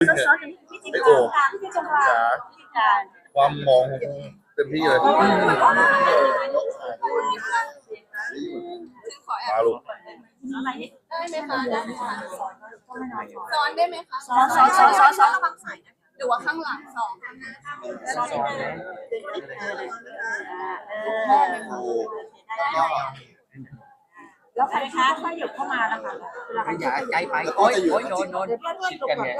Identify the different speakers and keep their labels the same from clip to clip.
Speaker 1: ซ้อนๆกันพี่จิ๊บ
Speaker 2: ไอโอ่ง
Speaker 1: พี่จิ๊บจังหวะ
Speaker 2: จ๋า
Speaker 1: พี่จ๋า
Speaker 2: ความมองเต็มที่เลยมาลูก
Speaker 1: อะไรนี่
Speaker 3: ได้ไหมคะได้ไหมคะ
Speaker 1: ก็ไม่น้อย
Speaker 3: ซ้อนได้ไหมคะ
Speaker 1: ซ้อนระวังสายนะ
Speaker 3: หรือว่าข้างหลังสอง
Speaker 1: ซ้อนแล้วใครคะถ้าหยุดเข้ามาแล้วค่ะเวลา
Speaker 4: อย่าใกล้ไปโอ้ยโอ้ยโดนชิดกันไง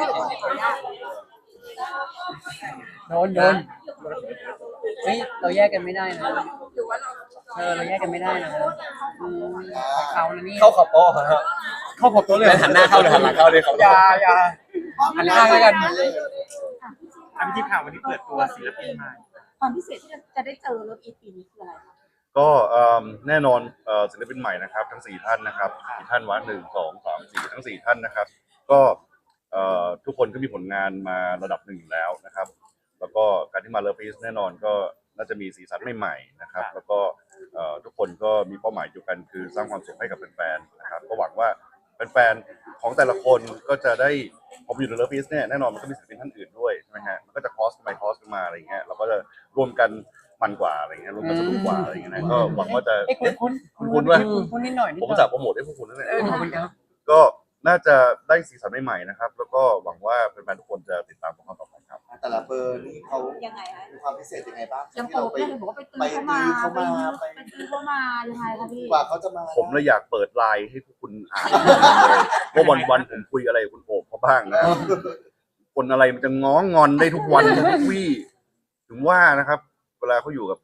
Speaker 4: โดนเฮ้ยเราแยกกันไม่ได้นะ
Speaker 3: หรือว่าเรา
Speaker 4: เราแยกกันไม่ได้นะเขานะนี่
Speaker 2: เข้าขอบโต๊ะฮะเข้าขอบโต๊ะเลยหันหน้าเข้าเลยหันหลังเข้าเลยเขาอย่าหันหน้าแล้วกัน
Speaker 5: พี่จิ๊บข่าววันนี้เปิดตัวศิลปินใหม่
Speaker 1: ความพิเศษที่จะได้เจอรถอีปีนี้คืออะไรคะ
Speaker 2: ก็แน่นอนศิลปินใหม่นะครับทั้ง4ท่านนะครับกี่ท่านวะ1 2 3 4ทั้ง4ท่านนะครับก็ทุกคนก็มีผลงานมาระดับหนึ่งอยู่แล้วนะครับแล้วก็การที่มาเลิฟพีซแน่นอนก็น่าจะมีสีสันใหม่ๆนะครับแล้วก็ทุกคนก็มีเป้าหมายเดียวกันคือสร้างความสุขให้กับแฟนๆนะครับก็หวังว่าแฟนๆของแต่ละคนก็จะได้ผมอยู่ในเลิฟพีซเนี่ยแน่นอนมันก็มีศิลปินท่านอื่นด้วยใช่ไหมฮะมันก็จะคอสกันไปคอสกันมาอะไรอย่างเงี้ยเราก็จะรวมกันมันกว่าอะไรเงี้ยรวมกันสนุกกว่าอะไรเงี้ยนะก็หวังว่าจะคุณด้วย
Speaker 4: คุณนิดหน่อย
Speaker 2: ผมจะโปรโมทให้พวกคุณนั่นแหละ
Speaker 4: ขอบคุณครับ
Speaker 2: ก็น่าจะได้สีสันใหม่ๆนะครับแล้วก็หวังว่าแฟนๆทุกคนจะติดตามพวกเราต่อไปครับ
Speaker 6: แต่ละเบอร์นี่เขา
Speaker 1: ยังไงคะ
Speaker 6: มีความพิเศษยังไงบ้าง
Speaker 1: ยัง
Speaker 6: ที่
Speaker 1: โปร
Speaker 6: เรา
Speaker 1: เพื่อนบอกว่าไปตื้อเข้ามาไปตื้อเข้ามายังไงคะพี่
Speaker 6: กว่าเขาจะมา
Speaker 2: ผมเลยอยากเปิดไลน์ให้พวกคุณอ่านว่าวันๆผมคุยอะไรกับคุณโอบเขาบ้างนะคนอะไรมันจะง้องอนได้ทุกวันทุกวี่ถึงว่านะครับ เวลาเขาอยู่กับ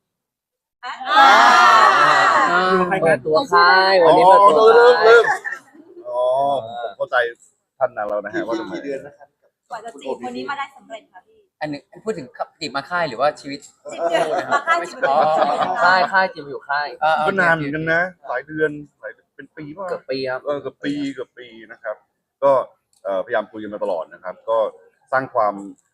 Speaker 4: เปิดตัวค่ายวันนี้เปิดตัว
Speaker 2: เริ่
Speaker 4: ค่าย
Speaker 2: มอ๋อผมเข้าใจท่านนั้นแล้วนะฮะว่าทำไม
Speaker 6: กี่เดือนนะครับ
Speaker 1: กว่าจะจีบคนนี้มาได้สำเร็จค่ะพี่
Speaker 4: อันนึงพูดถึงจีบมาค่ายหรือว่าชีวิต
Speaker 1: จีบเดือนมาค่ายจีบ
Speaker 4: อ๋อค่ายจีบอยู่ค่าย
Speaker 2: ก็นานเหมือนกันนะหลายเดือนหลายเป็นปีป่ะ
Speaker 4: เกือบปีครับ
Speaker 2: เกือบปีนะครับ ก็พยายามคุยกันมาตลอดนะครับ ก็สร้างความ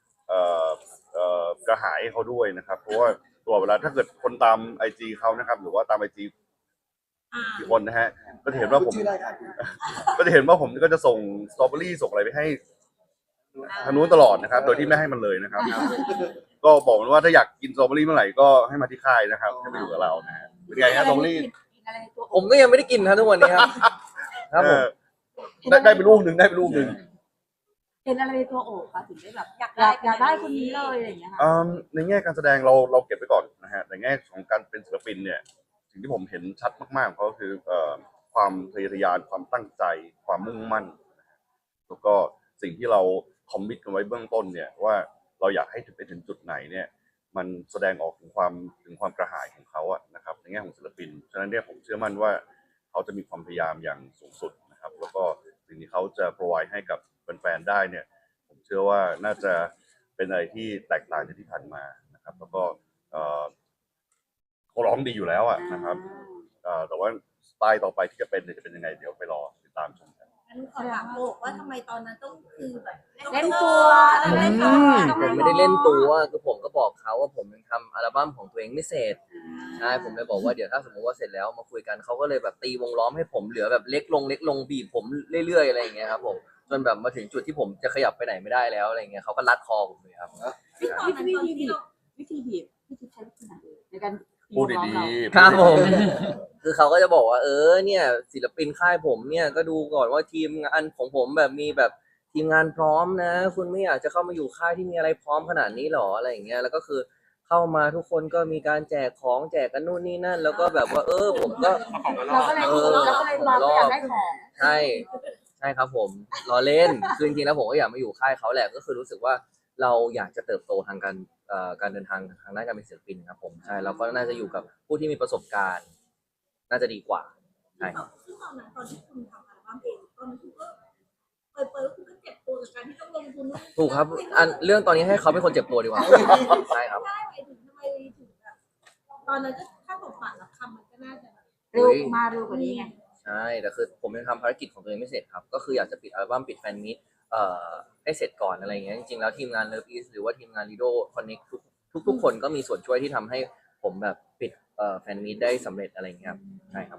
Speaker 2: กระหายให้เขาด้วยนะครับ เพราะว่าตัวเวลาถ้าเกิดคนตามไอจีเขานะครับ หรือว่าตามไอจีกี่คนนะฮะก็จะเห็นว่าผม
Speaker 6: ชื่ออะไรครับ
Speaker 2: ก็จะเห็นว่าผมก็จะส่งสตรอเบอรี่ส่งอะไรไปให้ทางนู้นตลอดนะครับ โดยที่ไม่ให้มันเลยนะครับ ก็บอกมันว่าถ้าอยากกินสตรอเบอรี่เมื่อไหร่ก็ให้มาที่ค่ายนะครับให้มาอยู่กับเรานะฮะเป็นไงฮะสตรอเบอรี่
Speaker 4: ผมก็ยังไม่ได้กินครับทุกวันนี้ครับครับผม
Speaker 2: ได้ไปลูกหนึ่ง
Speaker 1: เห็นอะไรในตัวโอบคะถึงได้แบบอยากได้คนนี้เลยอะไรอย่างเงี้ยค่ะ
Speaker 2: ในแง่การแสดงเราเก็บไว้ก่อนนะฮะในแง่ของการเป็นศิลปินเนี่ยสิ่งที่ผมเห็นชัดมากๆของเขาคือความทะเยอทะยานความตั้งใจความมุ่งมั่นนะฮะแล้วก็สิ่งที่เราคอมมิตกันไว้เบื้องต้นเนี่ยว่าเราอยากให้ไปถึงจุดไหนเนี่ยมันแสดงออกถึงความกระหายของเขาอะนะครับในแง่ของศิลปินฉะนั้นเนี่ยผมเชื่อมั่นว่าเขาจะมีความพยายามอย่างสูงสุดนะครับแล้วก็สิ่งที่เขาจะ provide ให้กับแฟนๆได้เนี่ยผมเชื่อว่าน่าจะเป็นอะไรที่แตกต่างจากที่ผ่านมานะครับแล้วก็เขาร้องดีอยู่แล้วอะนะครับแต่ว่าสไตล์ต่อไปที่จะเป็นเนี่ยจะเป็นยังไงเดี๋ยวไปรอติดตามชมกัน
Speaker 7: งั้นขอถามโอกว่าทำไมตอนนั้นต้องคือแบบ
Speaker 1: เล่นตัว
Speaker 7: เล่นตัว
Speaker 4: ผมไม่ได้เล่นตัวคือผมก็บอกเขาว่าผมยังทำอัลบั้มของตัวเองไม่เสร็จใช่ผมเลยบอกว่าเดี๋ยวถ้าสมมติว่าเสร็จแล้วมาคุยกันเขาก็เลยแบบตีวงล้อมให้ผมเหลือแบบเล็กลงบีบผมเรื่อยๆอะไรอย่างเงี้ยครับผมจนแบบมาถึงจุดที่ผมจะขยับไปไหนไม่ได้แล้วอะไรเงี้ยเขาก็รัดคอผมเลยครับ
Speaker 1: วิธีบีบพี่จิ๊บใช้วิธีไหนในการ
Speaker 2: พูดดีๆ
Speaker 4: ครับผม คือเขาก็จะบอกว่าเนี่ยศิลปินค่ายผมเนี่ยก็ดูก่อนว่าทีมงานของผมแบบมีแบบทีมงานพร้อมนะคุณไม่อยากจะเข้ามาอยู่ค่ายที่มีอะไรพร้อมขนาดนี้หรออะไรอย่างเงี้ยแล้วก็คือเข้ามาทุกคนก็มีการแจกของแจกกันนู่นนี่นั่น แล้วก็แบบว่าผมก็
Speaker 1: เราก็เลยรออยากได้ของ
Speaker 4: ใช่ครับผมล้อเล่นคือจริงๆแล้วผมก็อยากมาอยู่ค่ายเขาแหละก็คือรู้สึกว่าเราอยากจะเติบโตทางการเดินทางทางด้านการเป็นศิลปินครับผมใช่เราก็น่าจะอยู่กับผู้ที่มีประสบการณ์ น่าจะดีกว่าใช่ครับ
Speaker 7: ซึ่งตอนนั้นตอนที่คุณทำอัลบั้มเองตอนนั้นคุณก็เปิดคุณก็เจ็บตัวกับการที่ต้องลงทุน
Speaker 4: ถูกครับเรื่องตอนนี้ให้เขาเป็นคนเจ็บตัวดีกว่าใช่ครับ
Speaker 7: ใช่หมายถึงทำไมถึงแบบตอนนั้นก็ถ้าผมฝันรับคำมันก็น่าจะ
Speaker 1: เร็วมาเร็วกว่านี้ไง
Speaker 4: ใช่แต่คือผมยังทำภารกิจของตัวเองไม่เสร็จครับก็คืออยากจะปิดอัลบั้มปิดแฟนมิตให้เสร็จก่อนอะไรอย่างเงี้ยจริงๆแล้วทีมงาน Love East หรือว่าทีมงาน Lido Connect ทุกคนก็มีส่วนช่วยที่ทำให้ผมแบบปิดแฟนมิตได้สำเร็จอะไรอย่างเงี้ยครับใช่ครับ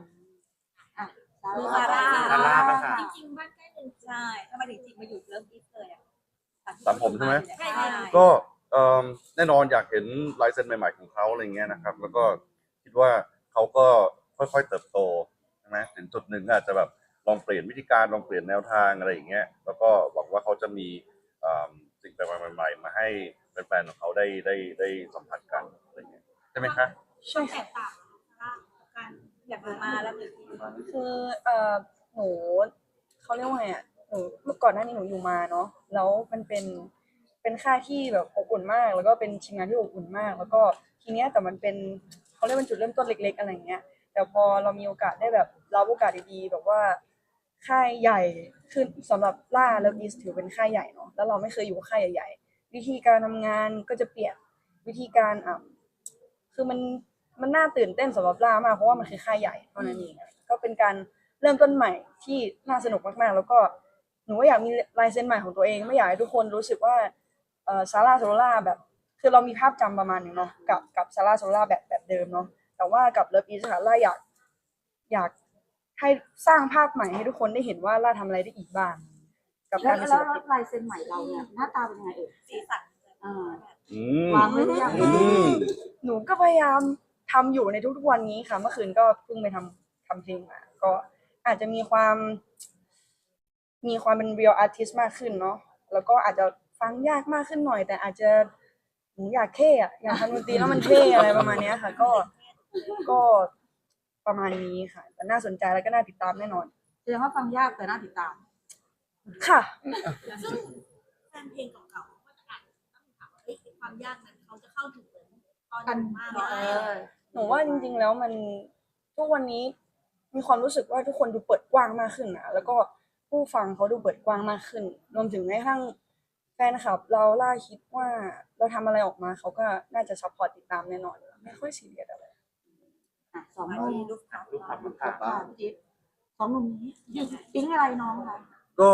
Speaker 1: ซาร่า
Speaker 5: ซาร่าบ้างค่ะ
Speaker 7: จริงๆบ้านใกล้เรือน
Speaker 1: ใช่ทำไมถึงจีบมาอยู่เลิฟอีสเลยอ่ะ
Speaker 2: ตามผมใช่ไหม
Speaker 7: ใช่
Speaker 2: ก็แน่นอนอยากเห็นลายเซ็นใหม่ๆของเขาอะไรเงี้ยนะครับ แล้วก็คิดว่าเขาก็ค่อยๆเติบโตใช่ไหมถึงจุดหนึ่งอาจจะแบบลองเปลี่ยนวิธีการลองเปลี่ยนแนวทางอะไรอย่างเงี้ยแล้วก็หวังว่าเขาจะมีสิ่งแปลกๆใหม่ๆมาให้แฟนๆของเขาได้สัมผัสกันอะไรเงี้ยใช่ไหมคะ
Speaker 7: ช่วงแตกต่างการอยากรู้มาแล้วหรือ
Speaker 8: คือหนูเขาเรียกว่าไงอ่ะหนูเมื่อก่อนหน้านี้หนูอยู่มาเนาะแล้วมันเป็นค่ายที่แบบอบอุ่นมาก แล้วก็เป็นทีมงานที่อบอุ่นมาก แล้วก็ทีเนี้ยแต่มันเป็นเขาเรียกเป็นจุดเริ่มต้นเล็กๆอะไรเงี้ยแต่พอเรามีโอกาสได้แบบรับโอกาสดีๆแบบว่าค่ายใหญ่คือสำหรับล่าแล้วอีสถือเป็นค่ายใหญ่เนาะแล้วเราไม่เคยอยู่ค่ายใหญ่ๆวิธีการทำงานก็จะเปลี่ยนวิธีการคือมันน่าตื่นเต้นสำหรับล่ามากเพราะว่ามันคือค่ายใหญ่เท่านั้นเองก็เป็นการเริ่มต้นใหม่ที่น่าสนุกมากๆแล้วก็หนูก็อยากมีลายเซ็นใหม่ของตัวเองไม่อยากให้ทุกคนรู้สึกว่าซาร่าโซล่าแบบคือเรามีภาพจำประมาณนึงเนาะกับซาร่าโซล่าแบบเดิมเนาะแต่ว่ากับเลิฟอีสค่ะล่าอยากให้สร้างภาพใหม่ให้ทุกคนได้เห็นว่าล่าทำอะไรได้อีกบ้างกับ
Speaker 1: แล้
Speaker 8: กาว รเป็นศิ
Speaker 1: แล้ว
Speaker 8: ลปิน
Speaker 1: ลายเซ็นใหม่เราเนี่ยหน้าตาเป็นยังไงเอ่ย
Speaker 7: สีสัน
Speaker 1: อ่า
Speaker 2: อืม
Speaker 1: วางไว้หรือยัง
Speaker 2: อืม
Speaker 8: หนูก็พยายามทำอยู่ในทุกๆวันนี้ค่ะเมื่อคืนก็เพิ่งไปทำเพลงมาก็อาจจะมีความเป็น real artist มากขึ้นเนาะแล้วก็อาจจะฟังยากมากขึ้นหน่อย แต่อาจจะหนูอยากเท่อะอยากทำดนตรีแล้วมันเท่อะไรประมาณเนี้ยค่ะ ก็ประมาณนี้ค่ะ แต่น่าสนใจแล้วก็น่าติดตามแน่นอน
Speaker 1: แสดงว่าฟังยากแต่น่าติดตาม
Speaker 8: ค่ะ
Speaker 7: ซึ่งแฟนเพลงเก่าๆก็จะอาจจะต้องถามว่าความยากนั้นเขาจะเข้าถึงตอน
Speaker 1: กัน
Speaker 7: มาก
Speaker 1: เออ
Speaker 8: หนูว่าจริงๆแล้วมันทุกวันนี้มีความรู้สึกว่าทุกคนดูเปิดกว้างมากขึ้นนะแล้วก็ผู้ฟังเขาดูเปิดกว้างมากขึ้น รวมถึงแม้กระทั่งแฟนคลับเราล่าคิดว่าเราทำอะไรออกมาเขาก็น่าจะซัพพอร์ตติดตามแน่นอนไม่ค่อยซีเรียสอะไร
Speaker 1: อ่ะสองหนุ่ม
Speaker 7: ลูกค้า
Speaker 5: ลูกค้าลูกค้า
Speaker 1: ค่ะพี่จิ๊บสองหนุ่มนี้ปิ๊งอะไรน้องคะ
Speaker 2: ก็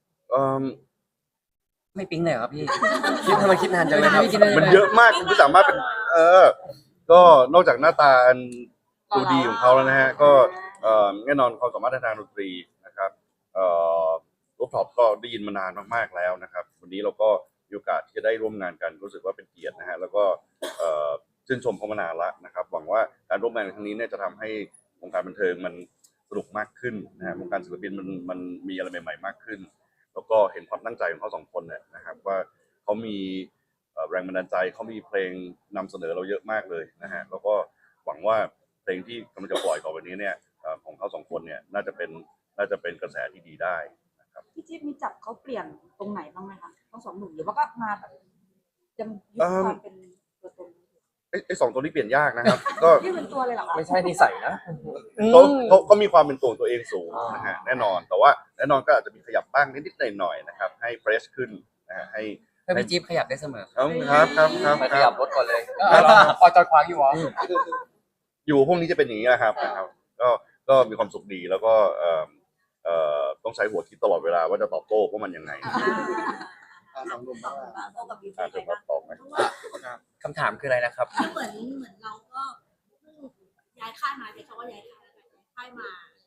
Speaker 4: ไม่ปิ๊งเลยครับพี่ คิดทำไมคิดนานจังเลยครับ
Speaker 2: มันเยอะมากคุณไม่สามารถเป็นก็นอกจากหน้าตาอันดูดีของเขาแล้วนะฮะก็แน่นอนความสามารถทางดนตรีนะครับรูปท็อปก็ได้ยินมานานมากๆแล้วนะครับวันนี้เราก็มีโอกาสที่จะได้ร่วมงานกันรู้สึกว่าเป็นเกียรตินะฮะแล้วก็ชื่นชมเขามานานละนะครับหวังว่าการร่วมงานครั้งนี้เนี่ยจะทำให้วงการบันเทิงมันสนุกมากขึ้นนะฮะวงการศิลปินมันมีอะไรใหม่ๆมากขึ้น แล้วก็เห็นความตั้งใจของเขาสองคนเนี่ยนะครับว่าเขามีแรงบันดาลใจเขามีเพลงนำเสนอเราเยอะมากเลยนะฮะแล้วก็หวังว่าเพลงที่กำลังจะปล่อยต่อไปนี้เนี่ยของเขาสองคนเนี่ยน่าจะเป็นกระแสที่ดีได้นะครับ
Speaker 1: พี่จิ๊บมีจับเขาเปลี่ยนตรงไหนบ้างไหมคะทั้งสองหนุ่มหรือว่าก็มาแบบยังยึดความเป็นตัวตน
Speaker 2: ไอ้สองตัวนี้เปลี่ยนยากนะครับ ก็
Speaker 1: นี่เป็นตัวเลยเหรอคะ
Speaker 4: ไม่ใช่นิสัยนะ
Speaker 2: เขามีความเป็นตัวของตัวเองสูงนะฮะแน่นอนแต่ว่าแน่นอนก็อาจจะมีขยับบ้างนิดๆหน่อยๆนะครับให้เฟรชขึ้นนะฮะให้
Speaker 4: พี่จิ๊บขยับได้เสมอ
Speaker 2: ครับ
Speaker 4: ไปขยับรถก่อนเลย
Speaker 5: พอจอดขวางอยู่เหรอ
Speaker 2: อยู่พวกนี้จะเป็นอย่างนี้นะครับก็มีความสุขดีแล้วก็ต้องใช้หัวคิดตลอดเวลาว่าจะตอบโต้พวกมันยังไง
Speaker 6: สองหนุ่มบ้างล่ะ
Speaker 7: โตกับบี
Speaker 2: อาจจะมาตอบไหม
Speaker 4: คำถามคืออะไรนะครับ
Speaker 7: เหมือนเราก็เพิ่งย้ายค่ายมาใช้คำว่าย้ายค่ายแล้วกันย้ายค่ายมา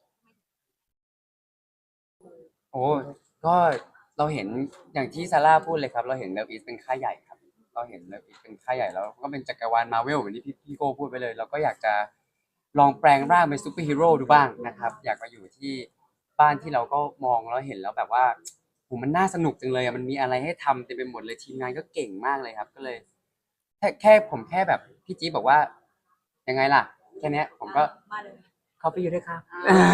Speaker 9: โอ้ก็เราเห็นอย่างที่ซาร่าพูดเลยครับ เราเห็นเลิฟอีสเป็นค่ายใหญ่ครับเราเห็นเลิฟอีสเป็นค่ายใหญ่แล้วก็เป็นจักรวาลมาเวลเหมือนที่พี่โก้พูดไปเลย เราก็อยากจะลองแปลงร่างเป็นซูเปอร์ฮีโร่ดูบ้างนะครับ อยากมาอยู่ที่บ้านที่เราก็มองแล้วเห็นแล้วแบบว่าโหมันน่าสนุกจังเลยมันมีอะไรให้ทำเต็มไปหมดเลยทีมงานก็เก่งมากเลยครับ ก็เลยผมแค่แบบพี่จี๊บบอกว่ายังไงล่ะแค่เนี้ยผมก็
Speaker 7: มาเลย
Speaker 9: เข้าไปอยู่ด้วยครับ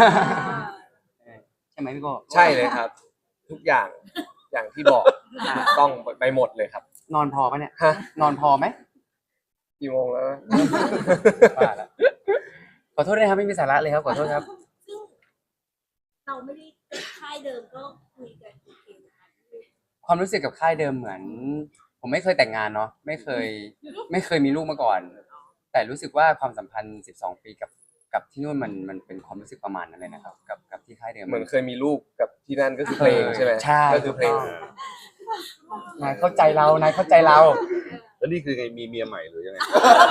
Speaker 9: ใช่ไหมพี่โก้
Speaker 10: ใช่เลยครับ ทุกอย่างอย่างที่บอกต้องไปหมดเลยครับ
Speaker 9: นอนพอปะเนี่ย
Speaker 10: ฮะ
Speaker 9: นอนพอไหม
Speaker 10: กี่โมงแล้ว
Speaker 9: ว่าแล้วขอโทษด้วยครับไม่มีสาระเลยครับขอโทษครับ
Speaker 7: ซึ่งเราไม่ได้ค่ายเดิมก็คุยกันโอเคนะคะ
Speaker 9: ความรู้สึกกับค่ายเดิมเหมือน ผมไม่เคยแต่งงานเนาะไม่เคยมีลูกมาก่อน แต่รู้สึกว่าความสัมพันธ์12 ปีกับที่นู่นมันเป็นความรู้สึกประมาณนั้นเลยนะครับกับที่ค่ายเดิม
Speaker 10: เหมือนเคยมีลูกกับที่นั่นก็คือเพลงใช่ไหม
Speaker 9: ใช่
Speaker 10: ก็คือเพลง
Speaker 9: นายเข้าใจเรา
Speaker 2: แล้วนี่คือไงมีเมียใหม่หรือยังไง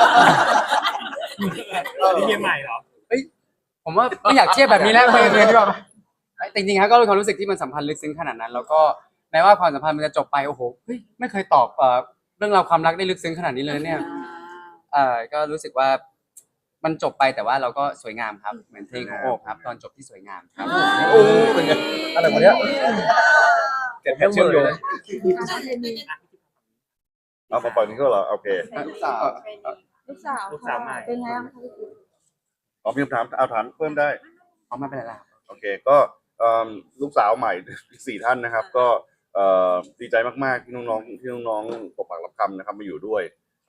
Speaker 5: นี่เมียใหม่เหรอ
Speaker 9: ผมว่าไม่อยากเทียบแบบนี้แล้วไปเรียนดีกว่าจริงๆครับก็เป็นความรู้สึกที่มันสัมพันธ์ลึกซึ้งขนาดนั้น แล้วก็แม้ว่าความสัมพันธ์มันจะจบไปโอ้โหเฮ้ยไม่เคยตอบเรื่องราวความรักได้ลึกซึ้งขนาดนี้เลยเนี่ยก็รู้สึกว่ามันจบไปแต่ว่าเราก็สวยงามครับเหมือนเพลงของโอบครับตอนจบที่สวยงามครับ
Speaker 10: โอ้เป็นไงอะไรวะเนี่ยเก็บแค่เชื่อมโยง
Speaker 2: เอามาปล่อยนี้ก็เหรอโอเค
Speaker 6: ลูกสาว
Speaker 1: ลูกสาว
Speaker 5: ลูกสาวใหม่
Speaker 1: เป็นไงบ้างคะพี่จิ๊บ
Speaker 2: อ๋อมีคำถามเอาถามเพิ่มได้
Speaker 9: เอาไม่เป็นไรละ
Speaker 2: โอเคก็ลูกสาวใหม่ 4 ท่านนะครับ ก็ดีใจมากๆที่น้องๆตกปากรับคำนะครับมาอยู่ด้วย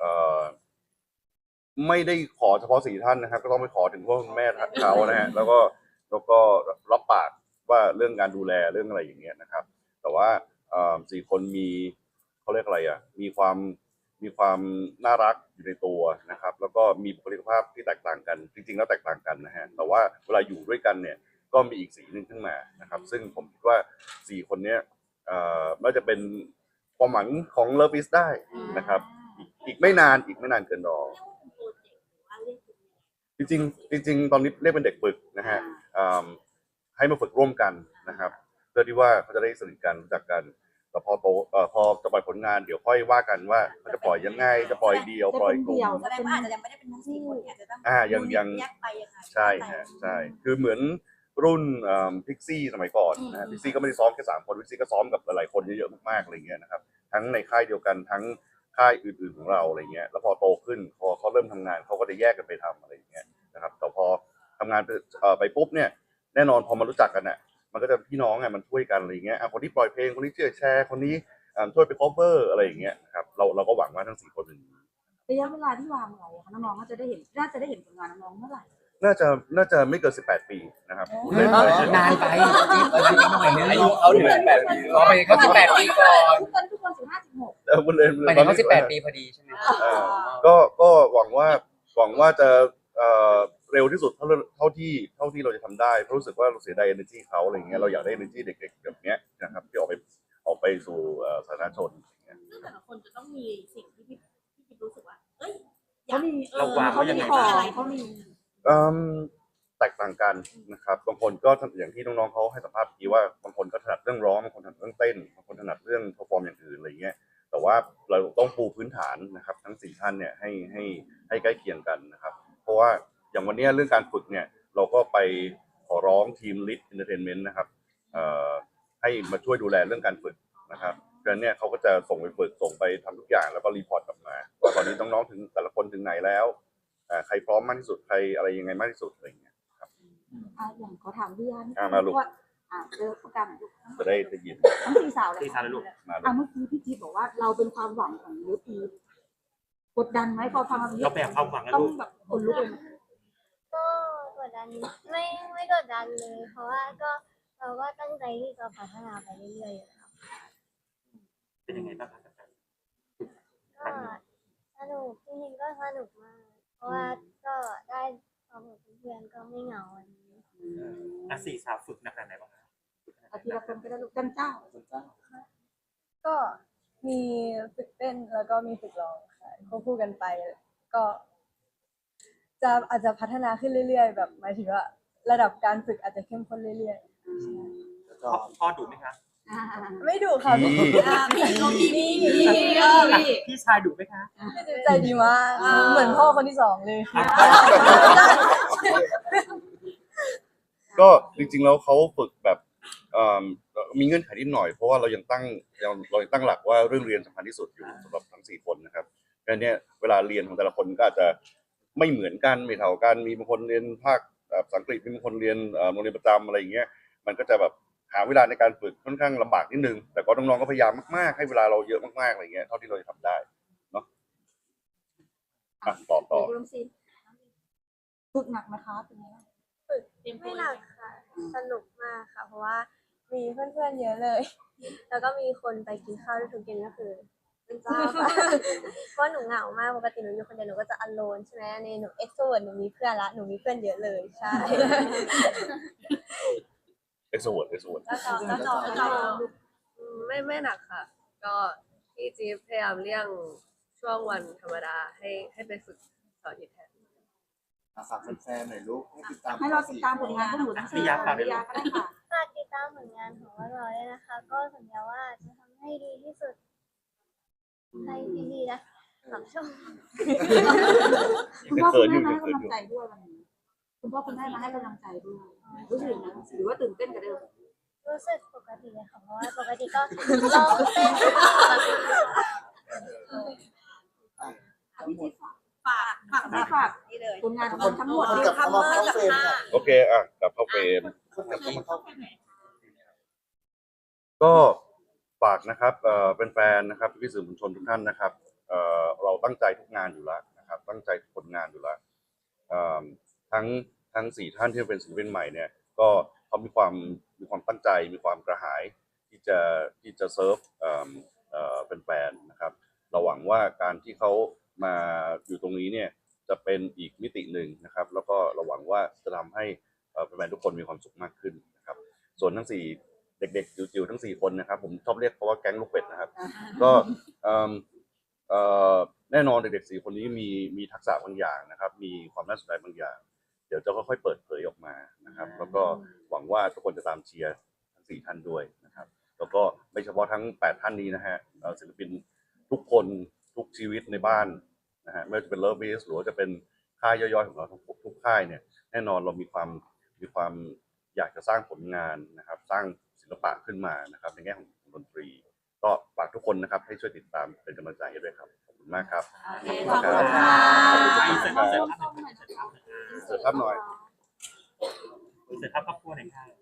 Speaker 2: ไม่ได้ขอเฉพาะ4 ท่านนะครับ ก็ต้องไปขอถึงพ่อคุณแม่เขานะฮะแล้วก็รับปากว่าเรื่องการดูแลเรื่องอะไรอย่างเงี้ยนะครับ แต่ว่า4 คนมีเขาเรียกอะไรอ่ะมีความน่ารักอยู่ในตัวนะครับ แล้วก็มีบุคลิกภาพที่แตกต่างกันจริงๆแล้วแตกต่างกันนะฮะแต่ว่าเวลาอยู่ด้วยกันเนี่ยก็มีอีกสีหนึ่งขึ้นมานะครับ ซึ่งผมคิดว่า4 คนเนี้ยน่าจะเป็นความหวังของเลิฟอีสได้นะครับอีกไม่นานเกินรอจริงๆตอนนี้เรียกเป็นเด็กฝึกนะฮะให้มาฝึกร่วมกันนะครับเพื่อที่ว่าเขาจะได้สนิทกันรู้จักกันแต่พอโตพอจะปล่อยผลงานเดี๋ยวค่อยว่ากันว่ามันจะปล่อยยังไงจะปล่อยเดียวปล่อยกลุ่ม
Speaker 7: แสดงว่าอาจจะยังไม่ได้เป็นทั้งสี่คนอาจจะต้อง
Speaker 2: ยัง
Speaker 7: แยกไปยังไง
Speaker 2: ใช่ฮะใช่คือเหมือนรุ่นพิกซี่สมัยก่อนนะฮะพิกซี่ก็ไม่ได้ซ้อมแค่3 คนพิกซี่ก็ซ้อมกับหลายๆคนเยอะๆมากๆอะไรเงี้ยนะครับทั้งในค่ายเดียวกันทั้งค่ายอื่นๆของเราอะไรเงี้ยแล้วพอโตขึ้นพอเขาเริ่มทำงานเขาก็จะแยกกันไปทำอะไรอย่างเงี้ยนะครับแต่พอทำงานไปปุ๊บเนี่ยแน่นอนพอมารู้จักกันน่ะมันก็จะพี่น้องไงมันช่วยกันอะไรเงี้ยคนที่ปล่อยเพลงคนนี้ช่วยแชร์คนนี้ช่วยไป cover อะไรอย่างเงี้ยนะครับเราก็หวังว่าทั้ง4 คนเป็น
Speaker 1: ระยะเวลาที่วางไว้อะค่ะน้องๆน่าจะได้เห็นผลงานน้องๆเมื่อไหร่
Speaker 2: น่าจะไม่เกิน18 ปีนะครับ
Speaker 9: นานไป
Speaker 10: อายุเขาถึง18 ปี
Speaker 9: เราไปเขา18 ปีก่อน
Speaker 1: ทุกคน15-16
Speaker 2: แล้วคุณเลย
Speaker 9: หมายถึงเขา18 ปีพอดีใช่ไหม
Speaker 2: ก็หวังว่าจะเร็วที่สุดเท่าที่เราจะทำได้เพราะรู้สึกว่าเราเสียดาย energy เขาอะไรเงี้ยเราอยากได้ energy เด็กๆแบบเนี้ยนะครับที่ออกไปสู่สาธารณชนอย่างเงี้ย
Speaker 7: ซึ่งแต่ละคนจะต้องมีสิ่งที่พี่จิ๊บรู้สึกว่าเอ้ย
Speaker 5: เราวางไว้ยังไง
Speaker 1: ขอ
Speaker 5: บ้าง
Speaker 1: งเขามี
Speaker 2: แตกต่างกันนะครับบางคนก็อย่างที่น้องๆเขาให้สัมภาษณ์เมื่อกี้ว่าบางคนก็ถนัดเรื่องร้องบางคนถนัดเรื่องเต้นบางคนถนัดเรื่องเพอร์ฟอร์มอย่างอื่นอะไรเงี้ยแต่ว่าเราต้องปูพื้นฐานนะครับทั้ง4 ท่านเนี่ยให้ใกล้เคียงกันนะครับเพราะว่าอย่างวันนี้เรื่องการฝึกเนี่ยเราก็ไปขอร้องทีม Lit Entertainment นะครับให้มาช่วยดูแลเรื่องการฝึกนะครับเพราะฉะนั้นเนี่ยเขาก็จะส่งไปฝึกส่งไปทำทุกอย่างแล้วก็รีพอร์ตกลับมาว่าตอนนี้น้องๆถึงแต่ละคนถึงไหนแล้วใครพร้อมมากที่สุดใครอะไรยังไงมากที่สุดอะไรอย่างเงี้ยครับ
Speaker 1: อย่างขอถามพี่อัน
Speaker 2: มาลูก
Speaker 1: ว่าเจอประกันลูก
Speaker 2: จะได้ยิน
Speaker 1: ทั้ง4 สาวเลย
Speaker 5: สี่สาวเลยลูก
Speaker 2: มาลูก
Speaker 1: เมื่อกี้พี่จิ๊บบอกว่าเราเป็นความหวังของลูกอีฟกดดันไหมพอฟังแบบนี้
Speaker 5: เราแบกความหวังนะ
Speaker 1: ต้อง
Speaker 5: ลูก
Speaker 1: แบบคนลุกเลยไหม
Speaker 3: ก็กดดันไม่กดดันเลย เพราะว่าเราก็ตั้งใจที่จะพัฒนาไปเรื่อยๆอยู่แล้ว
Speaker 5: เป็นยังไงบ้างครับ
Speaker 3: ก็สนุกจริงๆก็สนุกมาก เพราะว่าก็ได้ความกับเพื่อนๆก็ไม่เหงาวันนี้
Speaker 5: สี่สาวฝึกหนักขนาดไหนบ้างครับ
Speaker 1: เอาทีละคนก็ได้ลูกจันเจ้า
Speaker 8: ก็มีฝึกเต้นแล้วก็มีฝึกร้องค่ะควบคู่กันไป ก็อาจจะพัฒนาขึ้นเรื่อยๆ แบบหมายถึงว่าระดับการฝึกอาจจะเข้มข้นเรื่อย
Speaker 6: แล้วก็
Speaker 5: พ่อดุไหมคะ
Speaker 8: ๆ ไม่ดุค่ะพี่
Speaker 5: พี่ชายดุไหมคะ
Speaker 8: ใจดีมากเหมือนพ่อคนที่2เลย
Speaker 2: ก็จริงๆแล้วเขาฝึกแบบมีเงื่อนไขนิดหน่อยเพราะว่าเรายังตั้งหลักว่าเรื่องเรียนสำคัญที่สุดอยู่สำหรับทั้ง4 คนนะครับเพราะฉะนั้นเนี่ยเวลาเรียนของแต่ละคนก็อาจจะไม่เหมือนกันไม่เท่ากันมีบางคนเรียนภาคภาษาอังกฤษมีบางคนเรียนโรงเรียนประจำอะไรอย่างเงี้ยมันก็จะแบบหาเวลาในการฝึกค่อนข้างลำบากนิดนึงแต่ก็น้องๆก็พยายามมากๆให้เวลาเราเยอะมากๆอะไรเงี้ยเท่าที่เราจะทำได้เนาะต่อ
Speaker 1: เริ่มซีนฝึกหนักไหมคะเป็นไงบ้าง
Speaker 3: ไม่หนักค่ะ สนุกมากค่ะ เพราะว่ามีเพื่อนๆเยอะเลย แล้วก็มีคนไปกินข้าวด้วยทุกเย็นก็คือเป็นเจ้าค่ะ เพราะหนูเหงามากปกติหนูอยู่คนเดียวหนูก็จะอโลนใช่ไหมในหนูเอ็กโทรเวิร์ดหนูมีเพื่อนละหนูมีเพื่อนเยอะเลยใช่
Speaker 2: เอ็กซ์โวด
Speaker 11: ไม่หนักค่ะ ก็พี่จี๊บพยายามเลี่ยงช่วงวันธรรมดาให้ไปฝึกเสาร์อาทิตย์แทน
Speaker 6: ฝากแฟนๆหน่อยลูกให้ติดตาม
Speaker 1: ให้เราติดตามผลงานพวกหนูทั้ง4 คน
Speaker 5: พี่ยาฝากด้วย
Speaker 1: พี่ยาก็ได้ค่ะ
Speaker 3: ฝากติดตามผลงานของพวกเราด้วยนะคะ ก็สัญญาว่าจะทำให้ดีที่สุดให้ดีๆนะขอบชม
Speaker 1: คุณพ่อคุณแม่มาให้กำลังใจด้วยวันนี้คุณพ่อคุณแม่มาให้กำลังใจด้วยรู้สึกยังไงหรือว่าตื่นเต้นกับเดิม
Speaker 3: รู้สึกปกติเลยค่ะเพราะว่าปกติก็ร้องเต้นปกติ
Speaker 1: ฝากนี่เลยผลงานของเราทั้งหมด
Speaker 6: กลับเข้ามาเข้าเฟรมค่ะ
Speaker 2: โอเคกลับเข้าเฟรม
Speaker 6: คนกลับเข้ามาเข้า
Speaker 2: ก็ฝากนะครับเป็นแฟนๆนะครับพี่สื่อมวลชนทุกท่านนะครับเราตั้งใจทุกงานอยู่แล้วนะครับตั้งใจทุกผลงานอยู่แล้วทั้ง4ท่านที่เป็นศิลปินใหม่เนี่ยก็เขามีความตั้งใจมีความกระหายที่จะเซิร์ฟเป็นแฟนๆนะครับเราหวังว่าการที่เขามาอยู่ตรงนี้เนี่ยจะเป็นอีกมิติหนึ่งนะครับแล้วก็เราหวังว่าจะทำให้แฟนๆทุกคนมีความสุขมากขึ้นนะครับส่วนทั้ง4เด็กๆจิ๋วๆทั้ง4คนนะครับผมชอบเรียกเขาว่าแก๊งลูกเป็ดนะครับก็แน่นอนเด็กๆ4คนนี้มีทักษะบางอย่างนะครับมีความน่าสนใจบางอย่างเดี๋ยวจะค่อยๆเปิดเผยออกมานะครับแล้วก็หวังว่าทุกคนจะตามเชียร์ทั้ง4ท่านด้วยนะครับแล้วก็ไม่เฉพาะทั้ง8ท่านนี้นะฮะศิลปินทุกคนทุกชีวิตในบ้านนะฮะไม่ว่าจะเป็นเลิฟบีสหรือว่าจะเป็นค่ายย่อยๆของเราทุกค่ายเนี่ยแน่นอนเรามีความอยากจะสร้างผลงานนะครับสร้างศิลปะขึ้นมานะครับในแง่ของดนตรีก็ฝากทุกคนนะครับให้ช่วยติดตามเป็นกำลังใจให้ด้วยครับขอบคุณมากครับ
Speaker 1: ขอบคุณค่ะ
Speaker 2: เสิร์ฟครับหน่อย
Speaker 5: เสร็จครับครอบครัวหน่อยค่ะ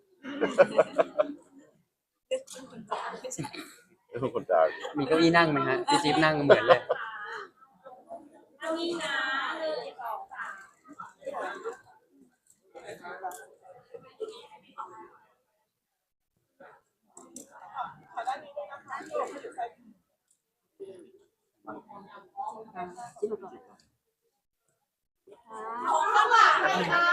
Speaker 2: ไม่ต้องคนจาง
Speaker 9: มีเก้าอี้นั่งไหมฮะพี่จิ๊บนั่งเหมือนเลย
Speaker 1: ค่ะ